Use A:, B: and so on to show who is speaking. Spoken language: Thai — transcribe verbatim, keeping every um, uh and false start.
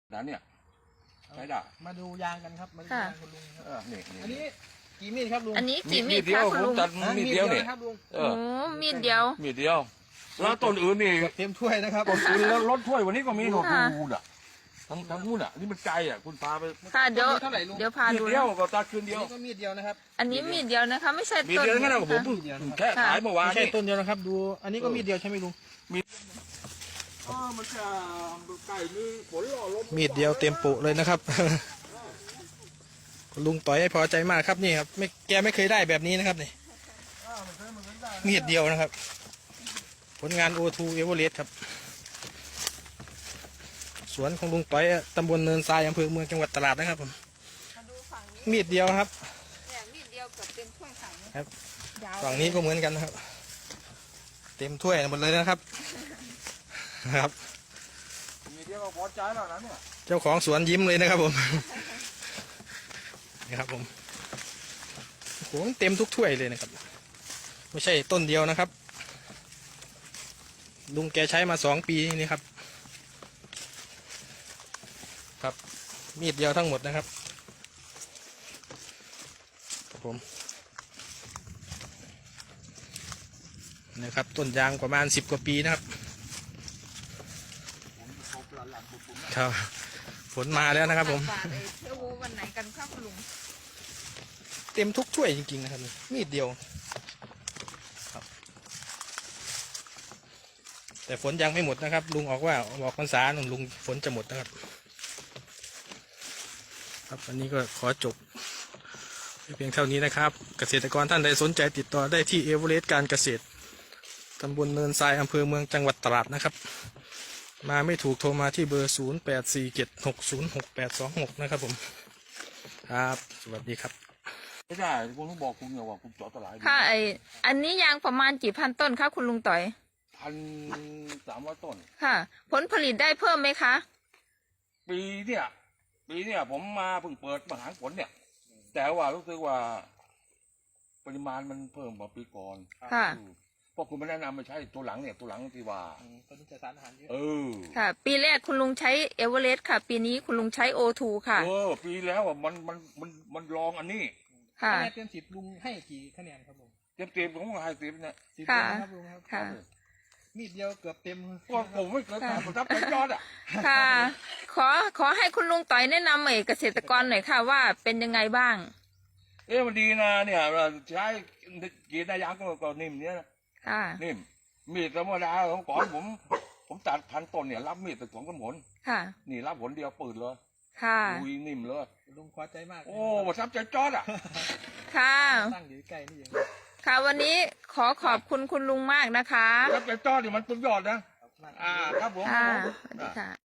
A: นั้นเนี่ยใช้ได้
B: มาดูยางกันครับมาดูยางคุณลุงครับ
A: เออนี่
B: อันนี้กี่มีดครับลุง
C: อันนี้กี่มีด
A: เดีย
C: คะ
A: ว
C: คุณ
A: ผม
C: ลุง
A: ตัดมีดเดียวเนี่ย
B: นะครับลุง
A: เอ
C: โอ้
A: อ
C: มีดเดียว
A: มีดเดียวแล้วต้นอื่นนี่
B: เต็มถ้วยนะครับ
A: ต้นอื่นแล้วรถถ้วยวันนี้ก็มีหนวด
C: ค่ะ
A: ดูอ่ะทั้งทั้งนู่นอ่ะนี่มันไกลอ่ะคุณพาไป
C: ค่ะเดี๋ยว
B: เท่าไหร่ลุง
C: เดี๋ยวพา
A: มีด
C: ดู
A: เดียว
C: นะ
A: ก็ตัดคืน
B: อัน
A: เดียว
B: นี้ก็มีดเดียวนะครับ
C: อันนี้มีดเดียวนะคะ ไม่ใช่
A: มี
C: ต้น
A: เดียวงั้นนะผม
C: นะคะ
A: เพิ่งแค่ขายเมื่อวาน
B: ไม่ใช่
A: นี่
B: ต้นเดียวนะครับ ดูอันนี้ก็มีดเดียวใช่ไหมลุง
A: เออมันจะไก่มีฝนหล่อลม
B: มีดเดียวเต็มปุเลยนะครับ คุณลุงต่อยให้พอใจมากครับนี่ครับไม่แกไม่เคยได้แบบนี้นะครับนี่มีดเดียวนะครับ ผลงาน โอ ทู Everest ครับสวนของลุงต่อยตำบลเนินทรายอำเภอเมืองจังหวัดตราดนะครับผม
C: มาดูฝั่งนี้
B: มีดเดียวครับ
C: เนี่ยมีดเดียวเกับเต็มถ้วยฝั่งนี้
B: ครับ
C: ยาว
B: ฝั่งนี้ก็เหมือนกันนะครับ เต็มถ้วยหมดเลยนะครับครับ
A: มีเดียวก็พอใจแล้วนะเนี่ย
B: เจ้าของสวนยิ้มเลยนะครับผม นี่ครับผมโอ้โหเต็มทุกถ้วยเลยนะครับ ไม่ใช่ต้นเดียวนะครับ ลุงแกใช้มาสองปีนี่ครับ ครับมีดเดียวทั้งหมดนะครับครับผมนะครับต้นยางประมาณสิบกว่าปีนะครับครับฝนมาแล้วนะครับผม
C: ฝากเอ่ยเที่ยววูวันไหนกันคะคุณลุง
B: เต็มทุกถ้วยจริงๆนะครับมีดเดียวครับแต่ฝนยังไม่หมดนะครับ ลุงออกว่าออกพรรษาหนุ่มลุงฝนจะหมดนะครับ ครับวันนี้ก็ขอจบเพียงเท่านี้นะครับ เกษตรกรท่านใดสนใจติดต่อได้ที่เอเวอเรสต์การเกษตรตำบลเนินทรายอำเภอเมืองจังหวัดตราดนะครับ มาไม่ถูกโทรมาที่เบอร์ศูนย์แปดสี่เจ็ดหกศูนย์หกแปดสองหกนะครับผมครับสวัสดีครับ
A: ไม่ได้คุณต้องบอกคุณเนี่ยว่าคุณเจาะตลาด
C: ค่ะไออันนี้ยางประมาณกี่พันต้นคะคุณลุงต่อย
A: พันสามร้อยต้น
C: ค่ะ ผลผลิตได้เพิ่มไหมคะ
A: ปีเนี่ยปีเนี่ยผมมาเพิ่งเปิดมหาผลเนี่ย แต่ว่ารู้สึกว่าปริมาณมันเพิ่มกว่าปีก่อน
C: ค่ะ
A: อืมเพราะคุณไม่แนะนำไม่ใช่ตัวหลังเนี่ยตัวหลังที่ว่า
B: ตอนนี้จะสารอาหารเยอะ
A: เออ
C: ค่ะ ปีแรกคุณลุงใช้เอเวอเรสต์ค่ะ ปีนี้คุณลุงใช้โอทูค่ะ
A: เออปีแล้วอ่ะมันมันมันมันลองอันนี้
C: ค่ะ
B: คะแนนเต็มสิบลุงให้กี่คะแนนครับผม
A: เต็มเต็มๆผมก็ให้เต็มเนี่ย
B: สิบ
C: ค่ะ
B: นะครับลุงครับ
C: ค่ะ
B: มีดเดียวเกือบเต็ม
A: เพราะผมไม่เคยทำผมทับเป็นยอดอ่ะ
C: ค่ะ ขอขอให้คุณลุงต่อยแนะนำเอ่ยเกษตรกรหน่อยค่ะว่าเป็นยังไงบ้าง
A: เอ๊ะมันดีนะเนี่ยเราใช้กีดายางก็ก็นิ่มเนี่ยนะ
C: ค่ะ
A: นิ่มมีดธรรมดาของก่อนผม ผมตัดพันต้นเนี่ยรับมีดแต่สองกำผล
C: ค่ะ
A: นี่รับผลเดียวปืนเลย
C: ค่ะ
A: ลุยนิ่มเลย
B: ลุงพอใจมาก
A: โอ้ประทับใจจอดอ่ะ
C: ค่ะ
B: ตั้งอยู่ใกล้นี่เอง
C: ค่ะวันนี้ขอขอบคุณคุณลุงมากนะคะ
A: ประทับใจจอดนี่มันสุดยอดนะ
B: ขอบคุณมาก
A: อ่าครับผม
C: ค่ะ
A: ผม
C: สวัสดีค่ะ